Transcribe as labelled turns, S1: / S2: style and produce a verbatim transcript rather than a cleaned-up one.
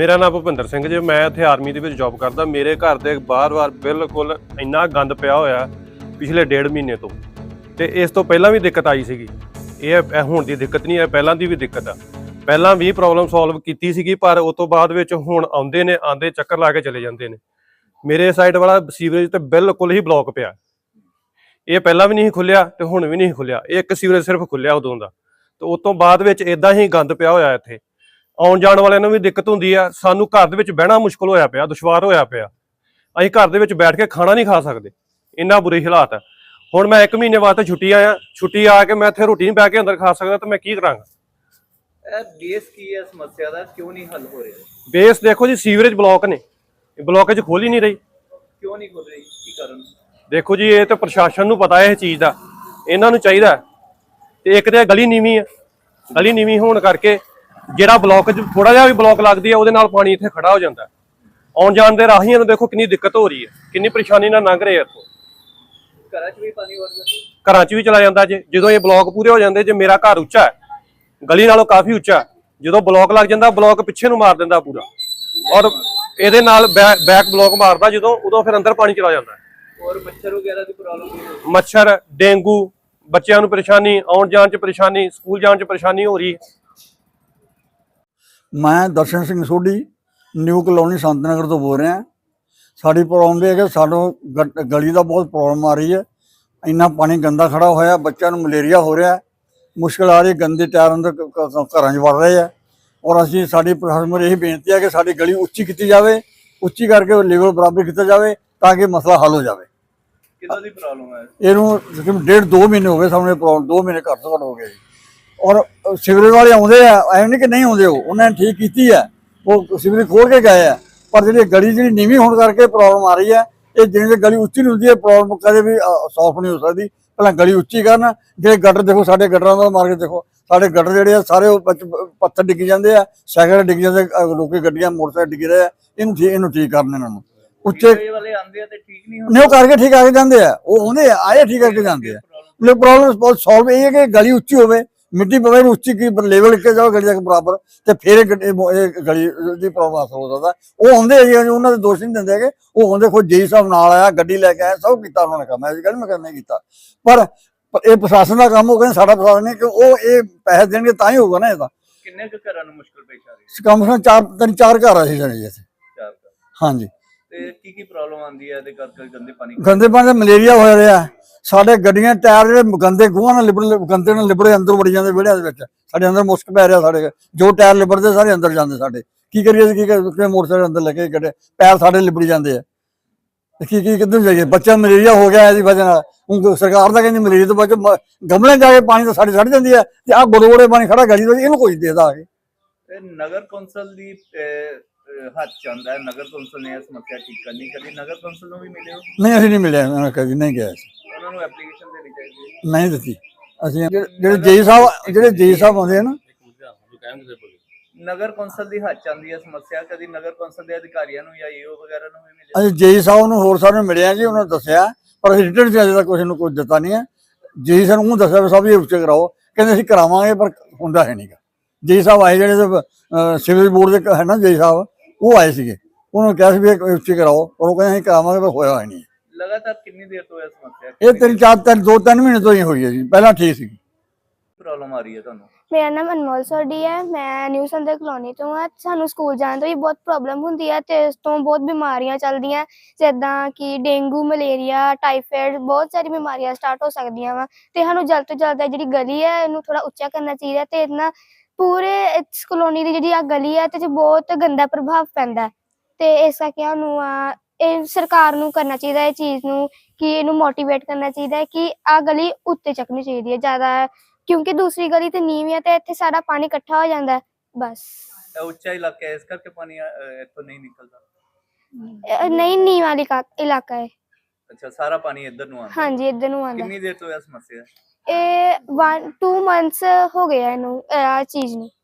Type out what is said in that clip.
S1: मेरा नाम भुपिंदर सिंह जी। मैं इत्थे आर्मी दे विच जॉब करदा। मेरे घर दे बार-बार बिल्कुल इन्ना गंद पिया होया पिछले डेढ़ महीने तो, ते इस तो पहलां भी दिक्कत आई सीगी। ਇਹ ਹੁਣ ਦੀ ਦਿੱਕਤ ਨਹੀਂ ਹੈ, ਪਹਿਲਾਂ ਦੀ ਵੀ ਦਿੱਕਤ ਆ। ਪਹਿਲਾਂ ਵੀ ਪ੍ਰੋਬਲਮ ਸੋਲਵ ਕੀਤੀ ਸੀਗੀ, ਪਰ ਉਸ ਤੋਂ ਬਾਅਦ ਵਿੱਚ ਹੁਣ ਆਉਂਦੇ ਨੇ, ਆਂਦੇ ਚੱਕਰ ਲਾ ਕੇ ਚਲੇ ਜਾਂਦੇ ਨੇ। ਮੇਰੇ ਸਾਈਡ ਵਾਲਾ ਸੀਵਰੇਜ ਤੇ ਬਿਲਕੁਲ ਹੀ ਬਲੌਕ ਪਿਆ। ਇਹ ਪਹਿਲਾਂ ਵੀ ਨਹੀਂ ਖੁੱਲਿਆ ਤੇ ਹੁਣ ਵੀ ਨਹੀਂ ਖੁੱਲਿਆ। ਇੱਕ ਸੀਵਰੇਜ ਸਿਰਫ ਖੁੱਲਿਆ ਉਦੋਂ ਦਾ, ਤੇ ਉਸ ਤੋਂ ਬਾਅਦ ਵਿੱਚ ਇਦਾਂ ਹੀ ਗੰਦ ਪਿਆ ਹੋਇਆ। ਇੱਥੇ ਆਉਣ ਜਾਣ ਵਾਲਿਆਂ ਨੂੰ ਵੀ ਦਿੱਕਤ ਹੁੰਦੀ ਆ, ਸਾਨੂੰ ਘਰ ਦੇ ਵਿੱਚ ਬਹਿਣਾ ਮੁਸ਼ਕਲ ਹੋਇਆ ਪਿਆ, ਦੁਸ਼ਵਾਰ ਹੋਇਆ ਪਿਆ। ਅਸੀਂ ਘਰ ਦੇ ਵਿੱਚ ਬੈਠ ਕੇ ਖਾਣਾ ਨਹੀਂ ਖਾ ਸਕਦੇ, ਇੰਨਾ ਬੁਰੇ ਹਾਲਾਤ ਆ। ਹੁਣ ਮੈਂ ਇੱਕ ਮਹੀਨੇ ਵਾਸਤੇ ਛੁੱਟੀ ਆਇਆ, ਛੁੱਟੀ ਆ ਕੇ ਮੈਂ ਇੱਥੇ ਰੋਟੀ ਨਹੀਂ ਬਹਿ ਕੇ ਅੰਦਰ ਖਾ ਸਕਦਾ, ਤਾਂ ਮੈਂ ਕੀ ਕਰਾਂਗਾ।
S2: ਇਹ ਬੇਸ ਕੀ ਹੈ ਸਮੱਸਿਆ ਦਾ, ਕਿਉਂ ਨਹੀਂ ਹੱਲ ਹੋ ਰਿਹਾ?
S1: ਬੇਸ ਦੇਖੋ ਜੀ, ਸੀਵਰੇਜ ਬਲੌਕ ਨੇ, ਬਲੌਕੇਜ ਖੋਲ ਹੀ ਨਹੀਂ ਰਹੀ।
S2: ਕਿਉਂ ਨਹੀਂ ਖੁੱਲ ਰਹੀ, ਕੀ ਕਾਰਨ?
S1: ਦੇਖੋ ਜੀ, ਇਹ ਤਾਂ ਪ੍ਰਸ਼ਾਸਨ ਨੂੰ ਪਤਾ ਹੈ ਇਸ ਚੀਜ਼ ਦਾ, ਇਹਨਾਂ ਨੂੰ ਚਾਹੀਦਾ। ਤੇ ਇੱਕ ਤੇ ਗਲੀ ਨੀਵੀਂ ਆ, ਗਲੀ ਨੀਵੀਂ ਹੋਣ ਕਰਕੇ ਜਿਹੜਾ ਬਲੌਕ ਥੋੜਾ ਜਿਹਾ ਵੀ ਬਲੌਕ ਲੱਗਦੀ ਆ, ਉਹਦੇ ਨਾਲ ਪਾਣੀ ਇੱਥੇ ਖੜਾ ਹੋ ਜਾਂਦਾ। ਆਉਣ ਜਾਣ ਦੇ ਰਾਹੀਆਂ ਨੂੰ ਦੇਖੋ ਕਿੰਨੀ ਦਿੱਕਤ ਹੋ ਰਹੀ ਹੈ, ਕਿੰਨੀ ਪਰੇਸ਼ਾਨੀ ਨਾਲ ਲੰਘ ਰਹੇ ਆ ਇੱਥੋਂ।
S2: ਘਰਾਂ 'ਚ ਵੀ ਪਾਣੀ ਵੜਦਾ,
S1: ਘਰਾਂ 'ਚ ਵੀ ਚਲਾ ਜਾਂਦਾ। ਜੇ ਜਦੋਂ ਇਹ ਬਲੌਕ ਪੂਰੇ ਹੋ ਜਾਂਦੇ, ਜੇ ਮੇਰਾ ਘਰ ਉੱਚਾ ਹੈ, ਗਲੀ ਨਾਲੋਂ ਕਾਫੀ ਉੱਚਾ, ਜਦੋਂ ਬਲੌਕ ਲੱਗ ਜਾਂਦਾ, ਬਲੌਕ ਪਿੱਛੇ ਨੂੰ ਮਾਰ ਦਿੰਦਾ ਪੂਰਾ, ਔਰ ਇਹਦੇ ਨਾਲ ਬੈਕ ਬਲੌਕ ਮਾਰਦਾ ਜਦੋਂ, ਉਦੋਂ ਫਿਰ ਅੰਦਰ ਪਾਣੀ ਚਲਾ ਜਾਂਦਾ।
S2: ਔਰ ਮੱਛਰ ਵਗੈਰਾ ਦੀ ਪ੍ਰੋਬਲਮ,
S1: ਮੱਛਰ, ਡੇਂਗੂ, ਬੱਚਿਆਂ ਨੂੰ ਪਰੇਸ਼ਾਨੀ, ਆਉਣ ਜਾਣ 'ਚ ਪਰੇਸ਼ਾਨੀ, ਸਕੂਲ ਜਾਣ 'ਚ ਪਰੇਸ਼ਾਨੀ ਹੋ ਰਹੀ ਹੈ।
S3: ਮੈਂ ਦਰਸ਼ਨ ਸਿੰਘ ਸੋਢੀ ਨਿਊ ਕਲੋਨੀ ਸੰਤ ਨਗਰ ਤੋਂ ਬੋਲ ਰਿਹਾ। ਸਾਡੀ ਪ੍ਰੋਬਲਮ ਇਹ ਹੈ ਕਿ ਸਾਨੂੰ ਗਲੀ ਦਾ ਬਹੁਤ ਪ੍ਰੋਬਲਮ ਆ ਰਹੀ ਹੈ। ਇੰਨਾ ਪਾਣੀ ਗੰਦਾ ਖੜਾ ਹੋਇਆ, ਬੱਚਿਆਂ ਨੂੰ ਮਲੇਰੀਆ ਹੋ ਰਿਹਾ, ਮੁਸ਼ਕਿਲ ਆ ਰਹੀ। ਗੰਦੇ ਟਾਇਰ ਅੰਦਰ ਘਰਾਂ 'ਚ ਵੜ ਰਹੇ ਆ। ਔਰ ਅਸੀਂ ਸਾਡੀ ਪ੍ਰਸ਼ਾਸਨ ਨੂੰ ਇਹੀ ਬੇਨਤੀ ਹੈ ਕਿ ਸਾਡੀ ਗਲੀ ਉੱਚੀ ਕੀਤੀ ਜਾਵੇ, ਉੱਚੀ ਕਰਕੇ ਲੈਵਲ ਬਰਾਬਰ ਕੀਤਾ ਜਾਵੇ, ਤਾਂ ਕਿ ਮਸਲਾ ਹੱਲ ਹੋ ਜਾਵੇ।
S2: ਕਿਹਦਾ ਦੀ ਪ੍ਰੋਬਲਮ ਹੈ?
S3: ਇਹਨੂੰ ਤਕਰੀਬਨ ਡੇਢ ਦੋ ਮਹੀਨੇ ਹੋ ਗਏ ਸਾਨੂੰ ਇਹ ਪ੍ਰੋਬਲਮ, ਦੋ ਮਹੀਨੇ ਘੱਟ ਤੋਂ ਘੱਟ ਹੋ ਗਏ ਜੀ। ਔਰ ਸਿਵਰੇਜ ਵਾਲੇ ਆਉਂਦੇ ਆ, ਐਵੇਂ ਨਹੀਂ ਕਿ ਨਹੀਂ ਆਉਂਦੇ, ਉਹ ਉਹਨਾਂ ਨੇ ਠੀਕ ਕੀਤੀ ਹੈ, ਉਹ ਸਿਵਰੇਜ ਖੋਲ ਕੇ ਗਏ ਆ। ਪਰ ਜਿਹੜੀ ਗਲੀ ਜਿਹੜੀ ਨੀਵੀਂ ਹੋਣ ਕਰਕੇ ਪ੍ਰੋਬਲਮ ਆ ਰਹੀ ਹੈ। ਇਹ ਜਿਵੇਂ ਗਲੀ ਉੱਚੀ ਨਹੀਂ ਹੁੰਦੀ, ਇਹ ਪ੍ਰੋਬਲਮ ਕਦੇ ਵੀ ਸੌਲਵ ਨਹੀਂ ਹੋ ਸਕਦੀ। ਪਹਿਲਾਂ ਗਲੀ ਉੱਚੀ ਕਰਨ। ਜਿਹੜੇ ਗਟਰ ਦੇਖੋ, ਸਾਡੇ ਗਟਰਾਂ ਦਾ ਮਾਰ ਕੇ ਦੇਖੋ, ਸਾਡੇ ਗਟਰ ਜਿਹੜੇ ਆ ਸਾਰੇ ਪੱਥਰ ਡਿੱਗੀ ਜਾਂਦੇ ਆ, ਸਾਈਕਲ ਡਿੱਗ ਜਾਂਦੇ, ਲੋਕੀ ਗੱਡੀਆਂ ਮੋਟਰਸਾਈਕਲ ਡਿੱਗ ਰਹੇ ਆ। ਇਹਨੂੰ ਠੀਕ ਇਹਨੂੰ ਠੀਕ ਕਰਨ ਇਹਨਾਂ ਨੂੰ। ਉੱਚੇ
S2: ਵਾਲੇ ਆਉਂਦੇ ਆ ਤੇ ਠੀਕ ਨਹੀਂ
S3: ਨਹੀਂ, ਉਹ ਕਰਕੇ ਠੀਕ ਆ ਕੇ ਜਾਂਦੇ ਆ, ਉਹ ਆਉਂਦੇ ਆ, ਆਏ ਠੀਕ ਕਰਕੇ ਜਾਂਦੇ ਆ। ਪ੍ਰੋਬਲਮ ਬਹੁਤ ਸੋਲਵ ਇਹ ਹੈ ਕਿ ਗਲੀ ਉੱਚੀ ਹੋਵੇ, ਮਿੱਟੀ ਪਵੇ, ਉੱਚੀ ਕੀ ਲੈਵਲ ਕੇ ਜਾਓ ਗਲੀ ਤੱਕ ਬਰਾਬਰ, ਤੇ ਫਿਰ ਇਹ ਗਲੀ ਦੀ ਪ੍ਰੋਬਲਮ ਹੱਲ ਹੋ ਸਕਦਾ। ਉਹ ਆਉਂਦੇ ਆ ਜੀ, ਉਹਨਾਂ ਦੇ ਦੋਸ਼ ਨਹੀਂ ਦਿੰਦੇ ਹੈਗੇ। ਉਹ ਆਉਂਦੇ, ਖੁਦ ਜੇਈ ਸਾਹਿਬ ਨਾਲ ਆਇਆ, ਗੱਡੀ ਲੈ ਕੇ ਆਇਆ, ਸਭ ਕੀਤਾ ਉਹਨਾਂ ਨੇ ਕੰਮ। ਐਸੀ ਗੱਲ ਮੈਂ ਕਰਨੇ ਕੀਤਾ, ਪਰ ਇਹ ਪ੍ਰਸ਼ਾਸਨ ਦਾ ਕੰਮ ਹੋ ਗਿਆ, ਸਾਡਾ ਪ੍ਰਸ਼ਾਸਨ ਨਹੀਂ। ਕਿ ਉਹ ਇਹ ਪੈਸੇ ਦੇਣਗੇ ਤਾਂ ਹੀ ਹੋਊਗਾ ਨਾ। ਇਹਦਾ
S2: ਕਿੰਨੇ ਕੁ ਘਰਾਂ ਨੂੰ ਮੁਸ਼ਕਲ ਪੇਸ਼ ਆ ਰਹੀ?
S3: ਕਮ ਸੇ ਕਮ ਚਾਰ ਤਿੰਨ ਚਾਰ ਘਰ ਆ ਸੀ ਸਾਡੇ ਇੱਥੇ।
S2: ਚਾਰ ਘਰ,
S3: ਹਾਂਜੀ।
S2: ਤੇ ਕੀ ਕੀ ਪ੍ਰੋਬਲਮ ਆਉਂਦੀ ਹੈ ਇਹਦੇ ਕਰਕੇ? ਗੰਦੇ ਪਾਣੀ,
S3: ਗੰਦੇ ਪਾਣੀ ਦਾ ਮਲੇਰੀਆ ਹੋ ਰਿਹਾ। ਸਾਡੇ ਗੱਡੀਆਂ ਟਾਇਰ ਜਿਹੜੇ ਗੰਦੇ ਗੂਹਾਂ ਨਾਲ ਲਿਬੜ ਗੰਦੇ ਨਾਲ ਲਿਬੜੇ ਅੰਦਰ ਵੜੀ ਜਾਂਦੇ ਵਿਹੜਿਆਂ ਦੇ ਵਿੱਚ। ਸਾਡੇ ਅੰਦਰ ਮੁਸ਼ਕ ਪੈ ਰਿਹਾ। ਸਾਡੇ ਜੋ ਟਾਇਰ ਲਿਬੜਦੇ ਸਾਰੇ ਅੰਦਰ ਜਾਂਦੇ। ਸਾਡੇ ਕੀ ਕਰੀਏ, ਕੀ ਕਰੀਏ, ਮੋਟਰਸਾਈਕਲ ਅੰਦਰ ਲੈ ਕੇ ਗੱਡੇ ਪੈਰ ਸਾਡੇ ਲਿਬੜੀ ਜਾਂਦੇ ਆ। ਕੀ ਕੀ ਕਿੱਧਰ ਜਾਈਏ? ਬੱਚਾ ਮਲੇਰੀਆ ਹੋ ਗਿਆ ਇਹਦੀ ਵਜ੍ਹਾ ਨਾਲ। ਹੁਣ ਸਰਕਾਰ ਤਾਂ ਕਹਿੰਦੀ ਮਲੇਰੀਆ ਤੋਂ ਬਚੋ, ਗਮਲੇ ਜਾ ਕੇ ਪਾਣੀ ਤਾਂ ਸਾਡੇ ਸੜ ਜਾਂਦੀ ਹੈ, ਤੇ ਆਹ ਗੋੜੇ ਗੋੜੇ ਪਾਣੀ ਖੜਾ ਗਲੀ ਇਹਨੂੰ ਕੋਈ ਦੇਦਾ ਆ ਕੇ।
S2: ਨਗਰ ਕੌਂਸਲ ਦੀ ਹੱਥ ਚਾਹੁੰਦਾ ਹੈ, ਨਗਰ ਕੌਂਸਲ ਨੇ ਇਹ ਸਮੱਸਿਆ ਠੀਕ ਕਰਨੀ। ਕਦੀ ਨਗਰ ਕੌਂਸਲ ਨੂੰ ਵੀ ਮਿਲੇ ਹੋ?
S3: ਨਹੀਂ, ਅਸੀਂ ਨਹੀਂ ਮਿਲਿਆ, ਕਦੀ ਨਹੀਂ ਗਿਆ।
S2: ਉਹਨਾਂ ਨੂੰ ਐਪਲੀਕੇਸ਼ਨ ਦੇਣੀ ਚਾਹੀਦੀ ਹੈ।
S3: ਨਹੀਂ ਦਿੱਤੀ ਅਸੀਂ। ਜਿਹੜੇ ਜੇਈ ਸਾਹਿਬ ਜਿਹੜੇ ਜੇਈ ਸਾਹਿਬ ਆਉਂਦੇ ਆ ਨਾ,
S2: ਨਗਰ ਕੌਂਸਲ ਦੀ ਹੱਥ ਚਾਹੁੰਦੀ ਹੈ ਸਮੱਸਿਆ, ਕਦੀ ਨਗਰ ਕੌਂਸਲ ਦੇ ਅਧਿਕਾਰੀਆਂ ਨੂੰ ਜਾਂ ਈਓ ਵਗੈਰਾ ਨੂੰ ਵੀ ਮਿਲੇ?
S3: ਅਸੀਂ ਜੇਈ ਸਾਹਿਬ ਨੂੰ ਹੋਰ ਸਾਹਿਬ ਨੂੰ ਮਿਲਿਆ ਜੀ, ਉਹਨਾਂ ਨੇ ਦੱਸਿਆ, ਪਰ ਰਿਟਰਨ ਚ ਅਜੇ ਤੱਕ ਕੁਛ ਨੂੰ ਕੁਝ ਦਿੱਤਾ ਨਹੀਂ ਹੈ। ਜੇਈ ਸਾਹਿਬ ਨੂੰ ਦੱਸਿਆ ਵੀ ਸਭ ਇਹ ਉੱਚੇ ਕਰਾਓ, ਕਹਿੰਦੇ ਅਸੀਂ ਕਰਾਵਾਂਗੇ, ਪਰ ਹੁੰਦਾ ਹੈ ਨਹੀਂਗਾ। ਜੇਈ ਸਾਹਿਬ ਆਏ, ਜਿਹੜੇ ਸਿਵਲ ਬੋਰਡ ਦੇ ਹੈ ਨਾ ਜੇਈ ਸਾਹਿਬ, ਉਹ ਆਏ ਸੀਗੇ, ਉਹਨਾਂ ਨੂੰ ਕਿਹਾ ਸੀ ਵੀ ਉੱਚੇ ਕਰਾਓ, ਪਰ ਉਹ ਕਹਿੰਦੇ ਅਸੀਂ ਕਰਾਵਾਂਗੇ, ਪਰ ਹੋਇਆ ਹੋਇਆ ਨਹੀਂ।
S2: ਲਗਾਤਾਰ ਕਿੰਨੀ ਦੇਰ ਤੋਂ ਇਹ ਸਮੱਸਿਆ?
S3: ਇਹ ਤਿੰਨ ਚਾਰ ਤਿੰਨ ਦੋ ਤਿੰਨ ਮਹੀਨੇ ਤੋਂ ਹੀ ਹੋਈ ਹੈ ਜੀ, ਪਹਿਲਾਂ ਠੀਕ ਸੀ।
S2: ਪ੍ਰੋਬਲਮ ਆ ਰਹੀ ਹੈ ਤੁਹਾਨੂੰ?
S4: ਮੇਰਾ ਨਾਮ ਅਨਮੋਲ ਸੋਢੀ ਹੈ, ਮੈਂ ਨਿਊ ਸੰਦਰ ਕਲੋਨੀ ਤੋਂ ਹਾਂ। ਸਾਨੂੰ ਸਕੂਲ ਜਾਣ ਤੋਂ ਵੀ ਬਹੁਤ ਪ੍ਰੋਬਲਮ ਹੁੰਦੀ ਹੈ, ਅਤੇ ਇਸ ਤੋਂ ਬਹੁਤ ਬਿਮਾਰੀਆਂ ਚੱਲਦੀਆਂ, ਜਿੱਦਾਂ ਕਿ ਡੇਂਗੂ, ਮਲੇਰੀਆ, ਟਾਈਫਾਇਡ, ਬਹੁਤ ਸਾਰੀ ਬਿਮਾਰੀਆਂ ਸਟਾਰਟ ਹੋ ਸਕਦੀਆਂ ਵਾ। ਅਤੇ ਸਾਨੂੰ ਜਲਦ ਤੋਂ ਜਲਦ ਜਿਹੜੀ ਗਲੀ ਹੈ ਇਹਨੂੰ ਥੋੜ੍ਹਾ ਉੱਚਾ ਕਰਨਾ ਚਾਹੀਦਾ, ਅਤੇ ਇਹਦੇ ਨਾਲ ਪੂਰੇ ਇਸ ਕਲੋਨੀ ਦੀ ਜਿਹੜੀ ਆ ਗਲੀ ਹੈ ਇਹਦੇ 'ਚ ਬਹੁਤ ਗੰਦਾ ਪ੍ਰਭਾਵ ਪੈਂਦਾ। ਅਤੇ ਇਸ ਕਰਕੇ ਸਾਨੂੰ ਆ ਇਹ ਸਰਕਾਰ ਨੂੰ ਕਰਨਾ ਚਾਹੀਦਾ ਇਹ ਚੀਜ਼ ਨੂੰ, ਕਿ ਇਹਨੂੰ ਮੋਟੀਵੇਟ ਕਰਨਾ ਚਾਹੀਦਾ ਕਿ ਆਹ ਗਲੀ ਉੱਤੇ ਚੱਕਣੀ ਚਾਹੀਦੀ ਹੈ ਜ਼ਿਆਦਾ, ਕਿਉਂਕਿ ਦੂਸਰੀ ਗਲੀ ਤੇ ਨੀਵੀਂ ਹੈ ਤੇ ਇੱਥੇ ਸਾਰਾ ਪਾਣੀ ਇਕੱਠਾ ਹੋ ਜਾਂਦਾ। ਬਸ
S2: ਉੱਚਾ ਇਲਾਕਾ ਹੈ, ਇਸ ਕਰਕੇ ਪਾਣੀ ਇੱਥੋਂ ਨਹੀਂ ਨਿਕਲਦਾ?
S4: ਨਹੀਂ, ਨੀਵਾਂ ਵਾਲੀ ਇਲਾਕਾ ਹੈ।
S2: ਅੱਛਾ, ਸਾਰਾ ਪਾਣੀ ਇੱਧਰ ਨੂੰ ਆਉਂਦਾ?
S4: ਹਾਂਜੀ, ਇੱਧਰ ਨੂੰ ਆਉਂਦਾ।
S2: ਕਿੰਨੀ ਦੇਰ ਤੋਂ ਇਹ ਸਮੱਸਿਆ?
S4: ਇਹ ਵਨ ਟੂ ਮੰਥਸ ਹੋ ਗਏ ਇਹਨੂੰ, ਇਹ ਚੀਜ਼ ਨੂੰ।